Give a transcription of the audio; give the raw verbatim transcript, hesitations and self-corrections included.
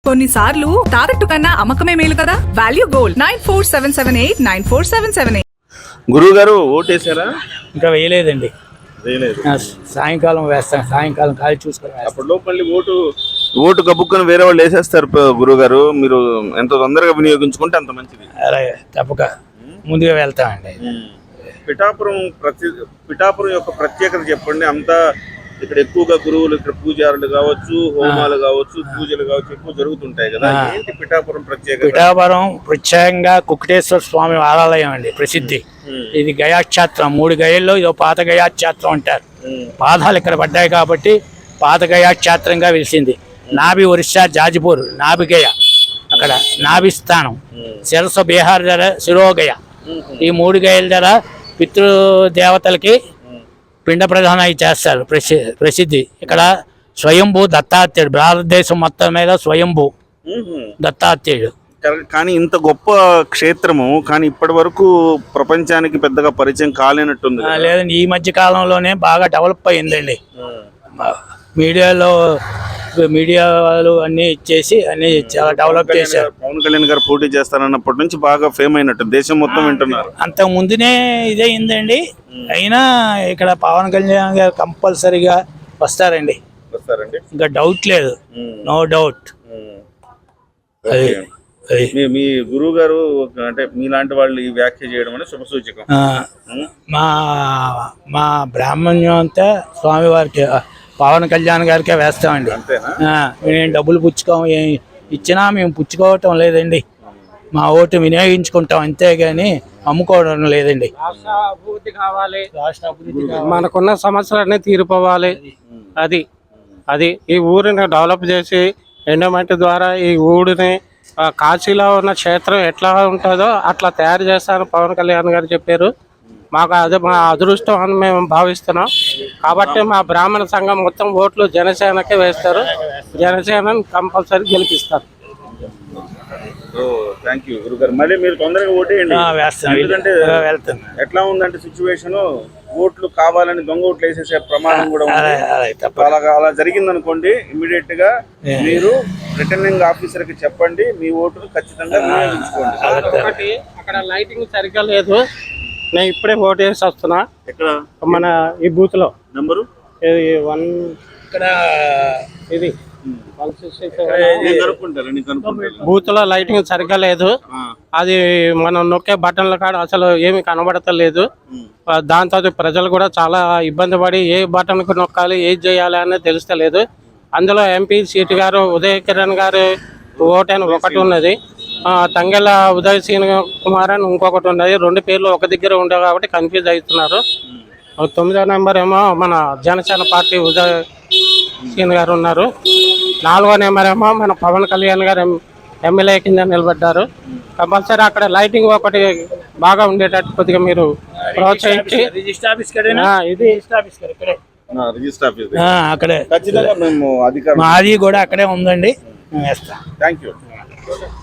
కొన్నిసార్లు తాకట్టు కన్నా అమ్మకమే మేలు కదా. Value gold nine four seven seven eight nine four seven seven eight. గురువు గారు ఓటేసారా? ఇంకా వేయలేదండి, వేయలేదు. సాయంకాలం వేస్తాను, సాయంకాలం ఖాళీ చూసుకొని. అప్పట్లో మళ్ళీ ఓటు ఓటు కబుక్కుని వేరే వాళ్ళు వేసేస్తారు గురువు గారు. మీరు ఎంత తొందరగా వినియోగించుకుంటే అంత మంచిది. అలాగే తప్పక ముందుగా వెళ్తామండి. పిఠాపురం ప్రతి పిఠాపురం యొక్క ప్రత్యేకత చెప్పండి. అంతా ఇక్కడ ఎక్కువగా గురువులు, ఇక్కడ పూజారులు కావచ్చు, హోమాలు కావచ్చు, పూజలు కావచ్చు ఎక్కువ జరుగుతుంటాయి కదా. ఏంటి పిఠాపురం ప్రత్యేకత? పిఠాపురం ప్రత్యేకంగా కుక్కటేశ్వర స్వామి ఆలయం అండి, ప్రసిద్ధి. ఇది గయాక్షేత్రం, మూడు గయల్లో ఇదో పాత గయాక్షేత్రం అంటారు. పాదాలు ఇక్కడ పడ్డాయి కాబట్టి పాత గయాక్షేత్రంగా వెలిసింది. నాభి ఒరిస్సా జాజిపూర్ నాభి గయ, అక్కడ నాభి స్థానం. శిరస బీహార్ ధర శిరోగయ. ఈ మూడు గయల ధర పితృదేవతలకి పిండ ప్రధానం చేస్తారు. ప్రసి ప్రసిద్ధి ఇక్కడ స్వయంభూ దత్తాత్రేయుడు, భారతదేశం మొత్తం మీద స్వయంభూ దత్తాత్రేయుడు. కానీ ఇంత గొప్ప క్షేత్రము కానీ ఇప్పటి వరకు ప్రపంచానికి పెద్దగా పరిచయం కాలేనట్టుంది. లేదండి, ఈ మధ్య కాలంలోనే బాగా డెవలప్ అయ్యిందండి. మీడియాలో మీడియా వాళ్ళు అన్ని ఇచ్చేసి అన్ని చాలా డెవలప్ చేశారు. పవన్ కళ్యాణ్ గారు పోటీ చేస్తారన్నప్పటి నుంచి బాగా ఫేమ్ అయినట్టు దేశం మొత్తం వింటున్నారు. అంతకు ముందునే ఇదే అయిందండి. అయినా ఇక్కడ పవన్ కళ్యాణ్ గారు కంపల్సరీగా వస్తారండి, వస్తారండి, ఇంకా డౌట్ లేదు, నో డౌట్. అది మీ గురువు గారు అంటే మీలాంటి వాళ్ళు ఈ వ్యాఖ్య చేయడం అనేది శుభ సూచకం. మా మా బ్రాహ్మణ్యం అంతా స్వామివారికి పవన్ కళ్యాణ్ గారికే వేస్తామండి. మేము డబ్బులు పుచ్చుకోం, ఇచ్చినా మేము పుచ్చుకోవటం లేదండి. మా ఓటు వినియోగించుకుంటాం అంతేగాని అమ్ముకోవడం లేదండి. అభివృద్ధి కావాలి, మనకున్న సమస్యలన్నీ తీరిపోవాలి. అది అది ఈ ఊరిని డెవలప్ చేసి ఎండోమెంట్ ద్వారా ఈ ఊరిని కాశీలో ఉన్న క్షేత్రం ఎట్లా ఉంటుందో అట్లా తయారు చేస్తారని పవన్ కళ్యాణ్ గారు చెప్పారు. మాకు అదే మా అదృష్టం అని మేము భావిస్తున్నాం. కాబట్టి మా బ్రాహ్మణ సంఘం మొత్తం ఓట్లు జనసేనకే వేస్తారు. జనసేనని కంపల్సరీ గెలిపిస్తారు. థ్యాంక్ యూ గురుగారు. మళ్ళీ మీరు తొందరగా ఓటేయండి. ఎందుకంటే ఎట్లా ఉందంటే సిచ్యువేషన్, ఓట్లు కావాలని దొంగ ఓట్లు వేసేసే ప్రమాదం కూడా ఉంది. అలా అలా జరిగింది అనుకోండి, ఇమీడియట్ గా మీరు రిటర్నింగ్ ఆఫీసర్ కి చెప్పండి, మీ ఓటును ఖచ్చితంగా వినియోగించుకోండి. ఒకటి అక్కడ లైటింగ్ సరిగ్గా లేదు. నేను ఇప్పుడే ఓటు వేసి వస్తున్నా. ఎక్కడ? మన ఈ బూత్ లో నెంబరు వన్, ఇక్కడ ఇది బూత్ బూత్ లో లైటింగ్ సరిగ్గా లేదు. అది మనం నొక్కే బటన్ల కాడ అసలు ఏమి కనబడతలేదు. దాంతో ప్రజలు కూడా చాలా ఇబ్బంది పడి ఏ బటన్ కు నొక్కాలి, ఏది చేయాలి అనేది తెలుస్తలేదు. అందులో ఎంపీ సీట్ గారు ఉదయ్ కిరణ్ గారు ఓటు అని ఒకటి ఉన్నది, తంగెల ఉదయ్ సీన్ కుమార్ అని ఇంకొకటి ఉన్నది. రెండు పేర్లు ఒక దగ్గర ఉండవు కాబట్టి కన్ఫ్యూజ్ అవుతున్నారు. తొమ్మిదో నెంబర్ ఏమో మన జనసేన పార్టీ ఉదయ్ సీన్ గారు ఉన్నారు. నాలుగో నెంబర్ ఏమో మన పవన్ కళ్యాణ్ గారు ఎమ్మెల్యే కింద నిలబడ్డారు. కంపల్సరీ అక్కడ లైటింగ్ ఒకటి బాగా ఉండేటట్టు కొద్దిగా మీరు ప్రోత్సహించి ఇది అక్కడే మాది కూడా అక్కడే ఉందండి. Thank you.